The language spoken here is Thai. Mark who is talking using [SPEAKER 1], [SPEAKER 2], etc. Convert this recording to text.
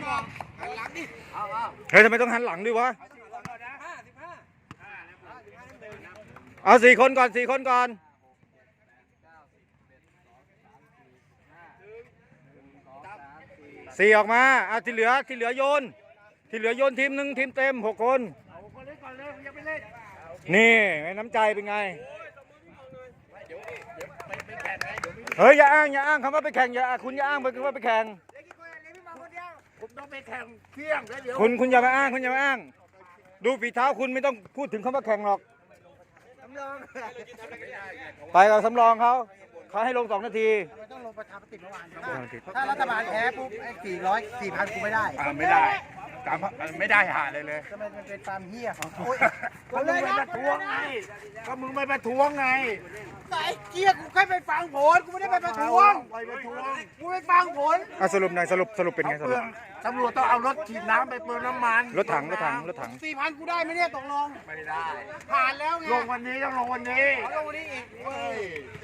[SPEAKER 1] หันหลังดิ
[SPEAKER 2] เฮ้ยทำไมต้องหันหลังด้วยวะเอา4 คนก่อน4 คนก่อน4ออกมาเอาที่เหลือโยนทีมหนึ่งทีมเต็ม6 คนนี่น้ำใจเป็นไงเฮ้ยอย่าอ้างคำว่าไปแข่งคุณอย่าอ้างไปคำว่าไปแข่ง
[SPEAKER 1] ผมต้องไปแข่งเที่ยงแล้วเดี๋ยว
[SPEAKER 2] คุณอย่ามาอ้างดูฝีเท้าคุณไม่ต้องพูดถึงคำว่าแข่งหรอกไปกับสำรองเขาให้ลง2 นาที
[SPEAKER 3] ต้องลงประชามติเมื่อวานถ้ารัฐบาลแพ้ปุ๊บไอ้400-4,000กูไม่ได้
[SPEAKER 1] ไม่ได้ไม่ได้หาเลย
[SPEAKER 3] ทำไมมันเป็นความเหี้ยของเขา
[SPEAKER 1] ก็มึงไปประท้วงไงก็มึงไปประท้วงไง
[SPEAKER 3] ไอ้เกี้ยกูแค่ไปฟังผลกูไม่ได้ไปประท้วง
[SPEAKER 1] ไปประท้วง
[SPEAKER 3] กูไปฟังผล
[SPEAKER 2] สรุปหน่อยสรุปเป็นไงสรุป
[SPEAKER 1] ตำรวจต้องเอารถฉีดน้ำไปเปลืองน้ำมัน
[SPEAKER 2] รถถัง
[SPEAKER 3] 4,000กูได้ไหมเนี่ยตกลง
[SPEAKER 1] ไม่ได้
[SPEAKER 3] ผ่านแล้วไง
[SPEAKER 1] ลงวันนี้ต้องลงวันนี้
[SPEAKER 3] เอาลงวันนี้อีกเว้ย